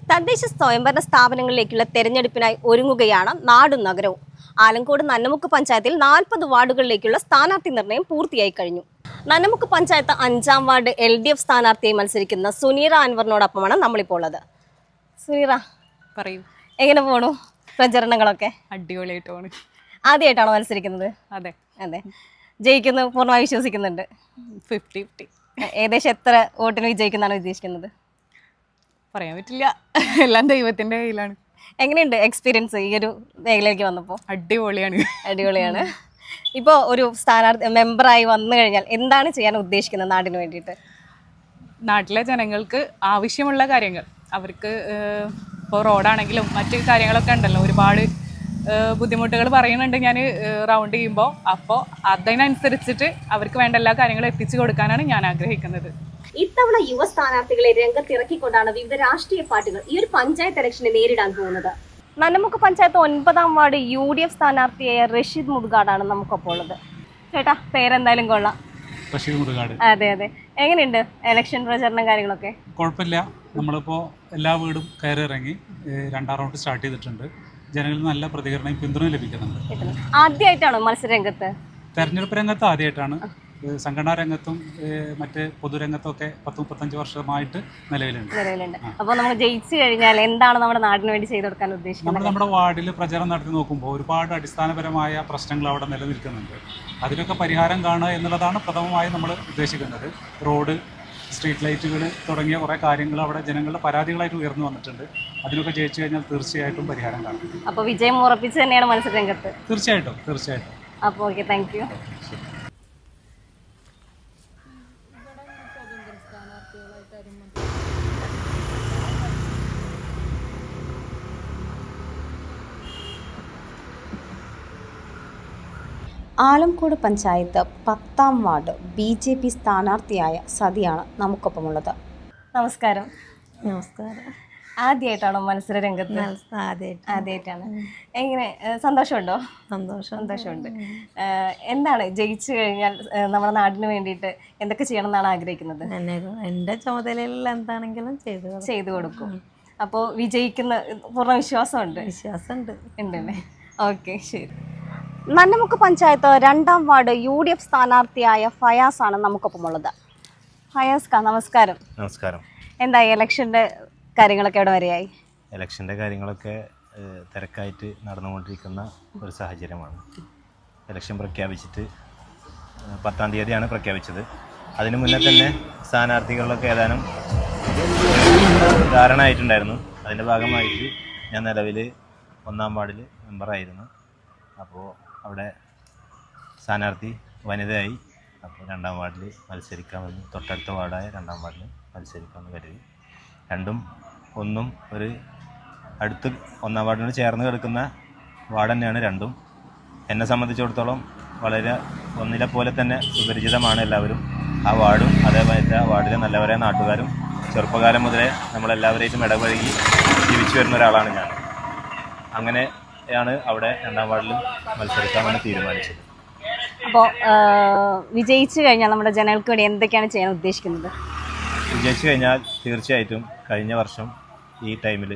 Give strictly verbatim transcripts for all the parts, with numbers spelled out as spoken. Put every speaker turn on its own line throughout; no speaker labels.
തദ്ദേശ സ്വയംഭരണ സ്ഥാപനങ്ങളിലേക്കുള്ള തെരഞ്ഞെടുപ്പിനായി ഒരുങ്ങുകയാണ് നാടും നഗരവും. ആലങ്കോട് നന്നമുക്ക് പഞ്ചായത്തിൽ നാൽപ്പത് വാർഡുകളിലേക്കുള്ള സ്ഥാനാർത്ഥി നിർണയം പൂർത്തിയായി കഴിഞ്ഞു. നന്നമുക്ക് പഞ്ചായത്ത് അഞ്ചാം വാർഡ് എൽ ഡി എഫ് സ്ഥാനാർത്ഥിയായി മത്സരിക്കുന്ന സുനീറ അൻവറിനോടൊപ്പമാണ് നമ്മളിപ്പോൾ ഉള്ളത്. സുനീറ, പറയൂ, എങ്ങനെ പോണു പ്രചരണങ്ങളൊക്കെ?
അടിപൊളിയായിട്ട് പോണു.
ആദ്യമായിട്ടാണോ മത്സരിക്കുന്നത്?
അതെ
അതെ. ജയിക്കുന്ന പൂർണ്ണമായി വിശ്വസിക്കുന്നുണ്ട്?
Fifty fifty.
ഏകദേശം എത്ര വോട്ടിന് വിജയിക്കുന്നതാണ് ഉദ്ദേശിക്കുന്നത്?
പറയാൻ പറ്റില്ല, എല്ലാം ദൈവത്തിന്റെ കയ്യിലാണ്.
എങ്ങനെയുണ്ട് എക്സ്പീരിയൻസ് ഈ ഒരു മേഖലയിലേക്ക് വന്നപ്പോൾ?
അടിപൊളിയാണ്.
അടിപൊളിയാണ്. ഇപ്പോൾ ഒരു സ്ഥാനാർത്ഥി മെമ്പറായി വന്നു കഴിഞ്ഞാൽ എന്താണ് ചെയ്യാൻ ഉദ്ദേശിക്കുന്നത് നാടിന് വേണ്ടിയിട്ട്?
നാട്ടിലെ ജനങ്ങൾക്ക് ആവശ്യമുള്ള കാര്യങ്ങൾ, അവർക്ക് ഇപ്പോൾ റോഡാണെങ്കിലും മറ്റ് കാര്യങ്ങളൊക്കെ ഉണ്ടല്ലോ, ഒരുപാട് ബുദ്ധിമുട്ടുകൾ പറയുന്നുണ്ട് ഞാൻ റൗണ്ട് ചെയ്യുമ്പോൾ. അപ്പോൾ അതിനനുസരിച്ചിട്ട് അവർക്ക് വേണ്ട എല്ലാ കാര്യങ്ങളും എത്തിച്ചു കൊടുക്കാനാണ് ഞാൻ ആഗ്രഹിക്കുന്നത്.
ഇത്തവണ യുവ സ്ഥാനാർത്ഥികളെ രംഗത്തിറക്കിക്കൊണ്ടാണ് വിവിധ രാഷ്ട്രീയ പാർട്ടികൾ ഈ ഒരു പഞ്ചായത്ത് ഇലക്ഷനെ നേരിടാൻ പോകുന്നത്. നന്നമുക്ക് പഞ്ചായത്ത് ഒൻപതാം വാർഡ് യു ഡി എഫ് സ്ഥാനാർത്ഥിയായ റഷീദ് മുതുകാടാണ് നമുക്കൊപ്പം ഉള്ളത്. ചേട്ടാ, പേരെന്തായാലും കൊള്ളാം.
റഷീദ് മുതുകാട്.
അതെ അതെ. എങ്ങനെയുണ്ട് ഇലക്ഷൻ പ്രചരണം കാര്യങ്ങളൊക്കെ?
കുഴപ്പമില്ല. നമ്മളിപ്പോൾ എല്ലാ വീടും കയറി ഇറങ്ങി രണ്ടാം റൗണ്ട് സ്റ്റാർട്ട് ചെയ്തിട്ടുണ്ട്. ജനങ്ങളിൽ നല്ല പ്രതികരണവും പിന്തുണയും ലഭിക്കുന്നുണ്ട്.
ആദ്യമായിട്ടാണോ മത്സര രംഗത്ത്?
തെരഞ്ഞെടുപ്പ് രംഗത്ത് ആദ്യമായിട്ടാണ്. സംഘടനാ രംഗത്തും മറ്റ് പൊതുരംഗത്തും ഒക്കെ പത്ത് മുപ്പത്തഞ്ച് വർഷമായിട്ട് നിലവിലുണ്ട്
നിലവിലുണ്ട് അപ്പോൾ നമുക്ക് ജയിച്ചു കഴിഞ്ഞാൽ എന്താണ് നമ്മുടെ നാടിന് വേണ്ടി ചെയ്തു കൊടുക്കാൻ ഉദ്ദേശിക്കുന്നത്?
നമ്മൾ നമ്മുടെ വാർഡിൽ പ്രചരണം നടത്തി നോക്കുമ്പോൾ ഒരുപാട് അടിസ്ഥാനപരമായ പ്രശ്നങ്ങൾ അവിടെ നിലനിൽക്കുന്നുണ്ട്. അതിനൊക്കെ പരിഹാരം കാണുക എന്നുള്ളതാണ് പ്രഥമമായി നമ്മൾ ഉദ്ദേശിക്കുന്നത്. റോഡ്, സ്ട്രീറ്റ് ലൈറ്റുകൾ തുടങ്ങിയ കുറേ കാര്യങ്ങൾ അവിടെ ജനങ്ങളുടെ പരാതികളായിട്ട് ഉയർന്നു വന്നിട്ടുണ്ട്. അതിനൊക്കെ ജയിച്ചു കഴിഞ്ഞാൽ തീർച്ചയായിട്ടും പരിഹാരം കാണും.
അപ്പോൾ വിജയം ഉറപ്പിച്ച് തന്നെയാണ് മത്സര രംഗത്ത്?
തീർച്ചയായിട്ടും തീർച്ചയായിട്ടും.
അപ്പോൾ okay, thank you. Alankode panchayat പത്താം വാർഡ് ബി ജെ പി സ്ഥാനാർത്ഥിയായ സതിയാണ് നമുക്കൊപ്പമുള്ളത്. നമസ്കാരം.
നമസ്കാരം.
ആദ്യമായിട്ടാണോ മത്സര രംഗത്ത്? ആദ്യമായിട്ടാണ്. എങ്ങനെ, സന്തോഷമുണ്ടോ?
സന്തോഷം
സന്തോഷമുണ്ട്. എന്താണ് ജയിച്ചു കഴിഞ്ഞാൽ നമ്മുടെ നാടിന് വേണ്ടിയിട്ട് എന്തൊക്കെ ചെയ്യണം എന്നാണ് ആഗ്രഹിക്കുന്നത്?
എൻ്റെ ചുമതലയിൽ എന്താണെങ്കിലും ചെയ്തു
ചെയ്തു കൊടുക്കും. അപ്പോൾ വിജയിക്കുന്ന പൂർണ്ണ വിശ്വാസമുണ്ട്?
വിശ്വാസമുണ്ട്.
ഉണ്ടല്ലേ? ഓക്കെ, ശരി. നന്നമുക്ക് പഞ്ചായത്ത് രണ്ടാം വാർഡ് യു ഡി എഫ് സ്ഥാനാർത്ഥിയായ ഫയാസ് ആണ് നമുക്കൊപ്പമുള്ളത്. ഫയാസ് ക, നമസ്കാരം.
നമസ്കാരം.
എന്തായി ഇലക്ഷൻ്റെ കാര്യങ്ങളൊക്കെ എവിടെ വരെയായി?
ഇലക്ഷൻ്റെ കാര്യങ്ങളൊക്കെ തിരക്കായിട്ട് നടന്നുകൊണ്ടിരിക്കുന്ന ഒരു സാഹചര്യമാണ്. ഇലക്ഷൻ പ്രഖ്യാപിച്ചിട്ട് പത്താം തീയതിയാണ് പ്രഖ്യാപിച്ചത്. അതിനു മുന്നേ തന്നെ സ്ഥാനാർത്ഥികളിലൊക്കെ ഏതാനും ധാരണ ആയിട്ടുണ്ടായിരുന്നു. അതിൻ്റെ ഭാഗമായിട്ട് ഞാൻ നിലവിൽ ഒന്നാം വാർഡിൽ മെമ്പറായിരുന്നു. അപ്പോൾ അവിടെ സ്ഥാനാർത്ഥി വനിതയായി. അപ്പോൾ രണ്ടാം വാർഡിൽ മത്സരിക്കാമെന്ന്, തൊട്ടടുത്ത വാർഡായ രണ്ടാം വാർഡിൽ മത്സരിക്കാമെന്ന് കരുതി. രണ്ടും ഒന്നും ഒരു അടുത്ത് ഒന്നാം വാർഡിനോട് ചേർന്ന് കിടക്കുന്ന വാർഡ് തന്നെയാണ് രണ്ടും. എന്നെ സംബന്ധിച്ചിടത്തോളം വളരെ ഒന്നിലെ പോലെ തന്നെ സുപരിചിതമാണ് എല്ലാവരും. ആ വാർഡും അതേപോലെ ആ വാർഡിലെ നല്ലവരായ നാട്ടുകാരും ചെറുപ്പകാലം മുതലേ നമ്മളെല്ലാവരെയും ഇടപഴകി ജീവിച്ചു വരുന്ന ഒരാളാണ് ഞാൻ. അങ്ങനെയാണ് അവിടെ രണ്ടാം വാർഡിൽ മത്സരിക്കാമെന്ന് തീരുമാനിച്ചത്.
അപ്പോൾ വിജയിച്ചു കഴിഞ്ഞാൽ നമ്മുടെ ജനങ്ങൾക്ക് വേണ്ടി എന്തൊക്കെയാണ് ചെയ്യാൻ ഉദ്ദേശിക്കുന്നത്?
വിജയിച്ചു കഴിഞ്ഞാൽ തീർച്ചയായിട്ടും കഴിഞ്ഞ വർഷം ഈ ടൈമിൽ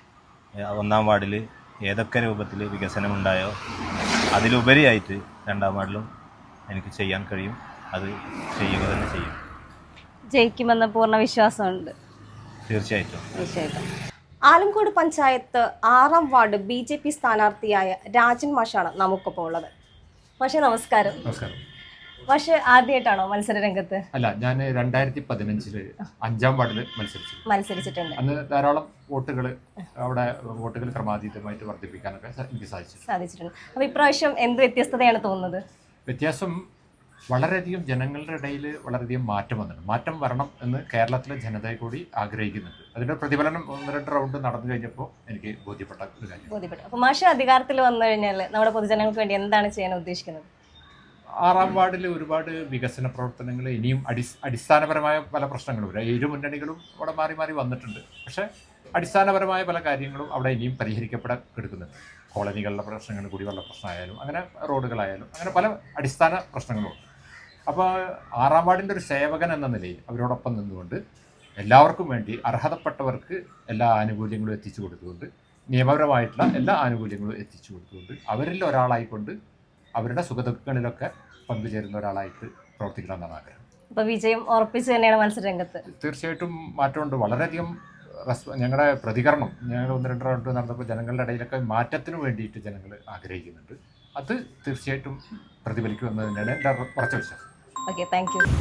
ഒന്നാം വാർഡിൽ ഏതൊക്കെ രൂപത്തിൽ വികസനമുണ്ടായോ അതിലുപരിയായിട്ട് രണ്ടാം വാർഡിലും എനിക്ക് ചെയ്യാൻ കഴിയും. അത് ചെയ്യുക തന്നെ ചെയ്യും.
ജയിക്കുമെന്ന് പൂർണ്ണ വിശ്വാസമുണ്ട്?
തീർച്ചയായിട്ടും.
തീർച്ചയായിട്ടും. ആലങ്കോട് പഞ്ചായത്ത് ആറാം വാർഡ് ബി ജെ പി സ്ഥാനാർത്ഥിയായ രാജൻ മാഷാണ് നമുക്കൊപ്പം ഉള്ളത്. മാഷെ, നമസ്കാരം.
നമസ്കാരം.
മാഷ് ആദ്യമായിട്ടാണോ മത്സര രംഗത്ത്?
അല്ല, ഞാൻ രണ്ടായിരത്തി പതിനഞ്ചില് അഞ്ചാം വാർഡിൽ മത്സരിച്ചു
മത്സരിച്ചിട്ടുണ്ട്.
അന്ന് ധാരാളം വോട്ടുകൾ അവിടെ വോട്ടുകൾ ക്രമാതീതമായിട്ട് വർദ്ധിപ്പിക്കാനൊക്കെ എനിക്ക് സാധിച്ചു
സാധിച്ചിട്ടുണ്ട്. അപ്പോൾ ഇപ്രാവശ്യം എന്ത് വ്യത്യസ്തതയാണ് തോന്നുന്നത്?
വ്യത്യാസം വളരെയധികം ജനങ്ങളുടെ ഇടയിൽ വളരെയധികം മാറ്റം വന്നിട്ടുണ്ട്. മാറ്റം വരണം എന്ന് കേരളത്തിലെ ജനതയെ കൂടി ആഗ്രഹിക്കുന്നുണ്ട്. അതിൻ്റെ പ്രതിഫലനം ഒന്ന് രണ്ട് റൗണ്ട് നടന്നു കഴിഞ്ഞപ്പോൾ എനിക്ക് ബോധ്യപ്പെട്ട ഒരു കാര്യം.
ബോധ്യപ്പെട്ടു. അപ്പോൾ മാഷ് അധികാരത്തിൽ വന്നു കഴിഞ്ഞാൽ നമ്മുടെ പൊതുജനങ്ങൾക്ക് വേണ്ടി എന്താണ് ചെയ്യാൻ ഉദ്ദേശിക്കുന്നത്?
ആറാം വാർഡിൽ ഒരുപാട് വികസന പ്രവർത്തനങ്ങൾ, ഇനിയും അടി അടിസ്ഥാനപരമായ പല പ്രശ്നങ്ങളും ഇരു മുന്നണികളും അവിടെ മാറി മാറി വന്നിട്ടുണ്ട്. പക്ഷേ അടിസ്ഥാനപരമായ പല കാര്യങ്ങളും അവിടെ ഇനിയും പരിഹരിക്കപ്പെടാൻ കിടക്കുന്നുണ്ട്. കോളനികളുടെ പ്രശ്നങ്ങൾ, കുടിവെള്ള പ്രശ്നമായാലും അങ്ങനെ റോഡുകളായാലും അങ്ങനെ പല അടിസ്ഥാന പ്രശ്നങ്ങളും. അപ്പോൾ ആറാം വാർഡിൻ്റെ ഒരു സേവകൻ എന്ന നിലയിൽ അവരോടൊപ്പം നിന്നുകൊണ്ട് എല്ലാവർക്കും വേണ്ടി അർഹതപ്പെട്ടവർക്ക് എല്ലാ ആനുകൂല്യങ്ങളും എത്തിച്ചു കൊടുത്തുകൊണ്ട് നിയമപരമായിട്ടുള്ള എല്ലാ ആനുകൂല്യങ്ങളും എത്തിച്ചു കൊടുത്തുകൊണ്ട് അവരിൽ ഒരാളായിക്കൊണ്ട് അവരുടെ സുഖദുഃഖങ്ങളിലൊക്കെ പങ്കുചേരുന്ന ഒരാളായിട്ട് പ്രവർത്തിക്കണമെന്നാണ് ആഗ്രഹം.
അപ്പൊ വിജയം ഉറപ്പിച്ച് തന്നെയാണ് മത്സരരംഗത്ത്.
തീർച്ചയായിട്ടും മാറ്റമുണ്ട്. വളരെയധികം റെസ്പ ഞങ്ങളുടെ പ്രതികരണം ഞങ്ങൾ ഒന്ന് രണ്ട് റൗണ്ട് നടന്നപ്പോൾ ജനങ്ങളുടെ ഇടയിലൊക്കെ മാറ്റത്തിന് വേണ്ടിയിട്ട് ജനങ്ങൾ ആഗ്രഹിക്കുന്നുണ്ട്. അത് തീർച്ചയായിട്ടും പ്രതിഫലിക്കുമെന്നതിനാണ് എൻ്റെ ഉറച്ച വിശ്വാസം.
Okay, thank you.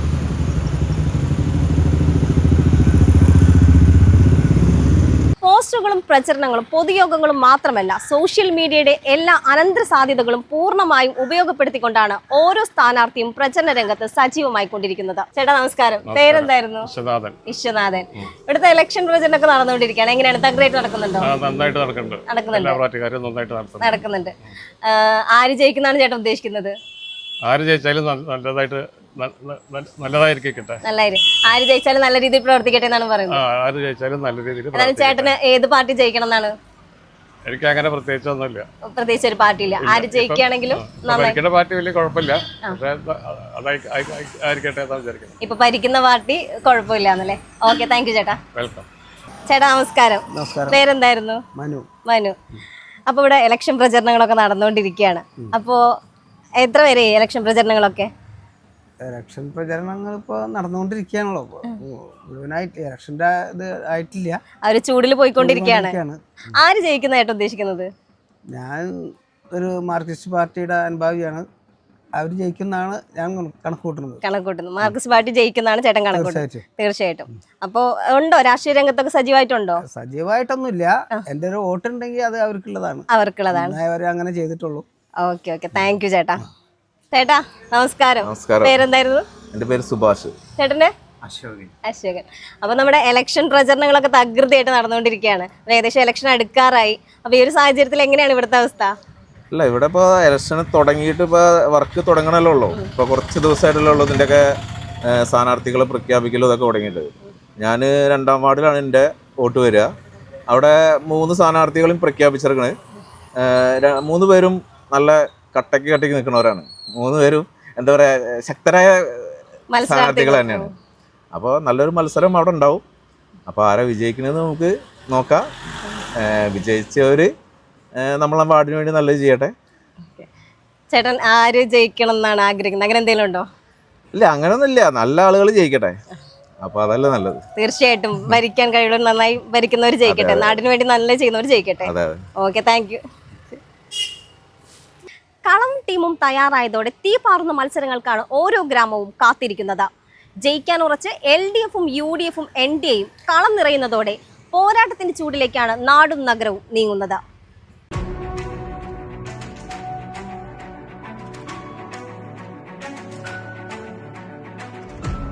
പോസ്റ്ററുകളും പ്രചരണങ്ങളും പൊതുയോഗങ്ങളും മാത്രമല്ല സോഷ്യൽ മീഡിയയുടെ എല്ലാ അനന്തര സാധ്യതകളും പൂർണ്ണമായും ഉപയോഗപ്പെടുത്തിക്കൊണ്ടാണ് ഓരോ സ്ഥാനാർത്ഥിയും പ്രചരണ രംഗത്ത് സജീവമായി കൊണ്ടിരിക്കുന്നത്. ചേട്ടാ നമസ്കാരം, പേരെന്തായിരുന്നു? വിശ്വനാഥൻ. ഇവിടുത്തെ ഇലക്ഷൻ പ്രചരണമൊക്കെ നടന്നുകൊണ്ടിരിക്കുകയാണ്. എങ്ങനെയാണ്? തകരായിട്ട് നടക്കുന്നുണ്ടോ?
നന്നായിട്ട് നടക്കുന്നുണ്ട്.
നടക്കുന്നുണ്ട്. ആര് ജയിക്കുന്നതാണ് ചേട്ടൻ ഉദ്ദേശിക്കുന്നത്?
ആര് ജയിച്ചാലും നല്ലതായിട്ട് നല്ലതായിരിക്കട്ടെ.
നല്ലായിരിക്കും. ആര് ജയിച്ചാലും നല്ല രീതിയിൽ പ്രവർത്തിക്കട്ടെ എന്നാണ് പറയുന്നത്.
ആര് ജയിച്ചാലും നല്ല രീതിയിൽ.
എന്നാലും ചേട്ടന് ഏത് പാർട്ടി ജയിക്കണം എന്നാണ്?
എനിക്ക് അങ്ങനെ പ്രത്യേകിച്ച് ഒന്നുമില്ല.
പ്രത്യേകിച്ച് ഒരു പാർട്ടിയില്ല. ആര് ജയിക്കുകയാണെങ്കിലും
ഭരിക്കുന്ന പാർട്ടി വലിയ കുഴപ്പമില്ല, പക്ഷേ അതായിരിക്കട്ടെ എന്നാണ് വിചാരിക്കുന്നത്.
ഇപ്പൊ ഭരിക്കുന്ന പാർട്ടി കുഴപ്പമില്ല എന്നല്ലേ? ഓക്കെ, താങ്ക് യു ചേട്ടാ.
വെൽക്കം.
ചേട്ടാ നമസ്കാരം. പേരെന്തായിരുന്നു?
മനു.
മനു. അപ്പൊ ഇവിടെ ഇലക്ഷൻ പ്രചരണങ്ങളൊക്കെ നടന്നുകൊണ്ടിരിക്കുകയാണ്. അപ്പോ എത്ര പേരെ ഇലക്ഷൻ പ്രചരണങ്ങളൊക്കെ?
ഇലക്ഷൻ പ്രചരണങ്ങൾ ഇപ്പോൾ നടന്നുകൊണ്ടിരിക്കുകയാണല്ലോ. മുഴുവനായിട്ട് ഇലക്ഷൻ്റെ ഇത് ആയിട്ടില്ല.
അവര് ചൂടിൽ പോയിക്കൊണ്ടിരിക്കുകയാണ്. ആര് ജയിക്കുന്നതായിട്ട് ഉദ്ദേശിക്കുന്നത്?
ഞാൻ ഒരു മാർക്സിസ്റ്റ് പാർട്ടിയുടെ അനുഭാവിയാണ്. അവർ ജയിക്കുന്നതാണ് ഞാൻ കണക്ക് കൂട്ടുന്നത്.
കണക്ക് കൂട്ടുന്നത് മാർക്സിസ്റ്റ് പാർട്ടി ജയിക്കുന്നതാണ് ചേട്ടൻ കണക്ക് കൂട്ടുന്നത്. തീർച്ചയായിട്ടും. അപ്പോൾ ഉണ്ടോ രാഷ്ട്രീയ രംഗത്തൊക്കെ സജീവമായിട്ടുണ്ടോ?
സജീവമായിട്ടൊന്നുമില്ല. എൻ്റെ ഒരു വോട്ടുണ്ടെങ്കിൽ അത് അവർക്കുള്ളതാണ്.
അവർക്കുള്ളതാണ്.
അവർ അങ്ങനെ ചെയ്തിട്ടുള്ളൂ.
ഓക്കെ ഓക്കെ, താങ്ക് യു ചേട്ടാ. ചേട്ടാ നമസ്കാരം. പേരെന്തായിരുന്നു?
എൻ്റെ പേര് സുഭാഷ്.
ചേട്ടന്റെ?
അശോകൻ.
അശോകൻ. അപ്പൊ നമ്മുടെ ഇലക്ഷൻ പ്രചരണങ്ങളൊക്കെ തകൃതിയായിട്ട് നടന്നുകൊണ്ടിരിക്കുകയാണ്. ഏകദേശം ഇലക്ഷൻ അടുക്കാറായി. അപ്പൊ ഈ ഒരു സാഹചര്യത്തിൽ എങ്ങനെയാണ് ഇവിടുത്തെ അവസ്ഥ?
അല്ല, ഇവിടെ ഇപ്പോൾ ഇലക്ഷൻ തുടങ്ങിയിട്ട് ഇപ്പോൾ വർക്ക് തുടങ്ങണല്ലോ ഉള്ളൂ. ഇപ്പോൾ കുറച്ച് ദിവസമായിട്ടല്ലേ ഉള്ളൂ ഇതിൻ്റെയൊക്കെ സ്ഥാനാർത്ഥികളെ പ്രഖ്യാപിക്കലും ഇതൊക്കെ തുടങ്ങിയിട്ട്. ഞാൻ രണ്ടാം വാർഡിലാണ് എൻ്റെ വോട്ട് വരിക. അവിടെ മൂന്ന് സ്ഥാനാർത്ഥികളും പ്രഖ്യാപിച്ചിരിക്കണ്. മൂന്ന് പേരും നല്ല കട്ടക്ക് കട്ടക്ക് നിൽക്കുന്നവരാണ്. മൂന്ന് പേരും എന്താ പറയുക, ശക്തരായ സ്ഥാനാർത്ഥികൾ തന്നെയാണ്. അപ്പോൾ നല്ലൊരു മത്സരം അവിടെ ഉണ്ടാവും. അപ്പോൾ ആരാ വിജയിക്കണമെന്ന് നമുക്ക് നോക്കാം. വിജയിച്ചവർ നമ്മളെ വാർഡിന് വേണ്ടി നല്ലത് ചെയ്യട്ടെ.
ചേട്ടൻ ആര് ജയിക്കണം എന്നാണ് ആഗ്രഹിക്കുന്നത്? അങ്ങനെ എന്തെങ്കിലും ഉണ്ടോ?
ഇല്ല, അങ്ങനെയൊന്നുമില്ല. നല്ല ആളുകൾ ജയിക്കട്ടെ. അപ്പോൾ അതല്ലേ നല്ലത്.
തീർച്ചയായിട്ടും ഭരിക്കാൻ കഴിയുള്ളവർ നന്നായി ഭരിക്കുന്നവർ ജയിക്കട്ടെ. നാടിന് വേണ്ടി നല്ല ചെയ്യുന്നവർ ജയിക്കട്ടെ. Okay, thank U. കളവും ടീമും തയ്യാറായതോടെ തീ പാറുന്ന മത്സരങ്ങൾക്കാണ് ഓരോ ഗ്രാമവും കാത്തിരിക്കുന്നത്. ജയിക്കാൻ ഉറച്ച് എൽ ഡി എഫും യു ഡി എഫും എൻ ഡി എയും കളം നിറയുന്നതോടെ പോരാട്ടത്തിന്റെ ചൂടിലേക്കാണ് നാടും നഗരവും നീങ്ങുന്നത്.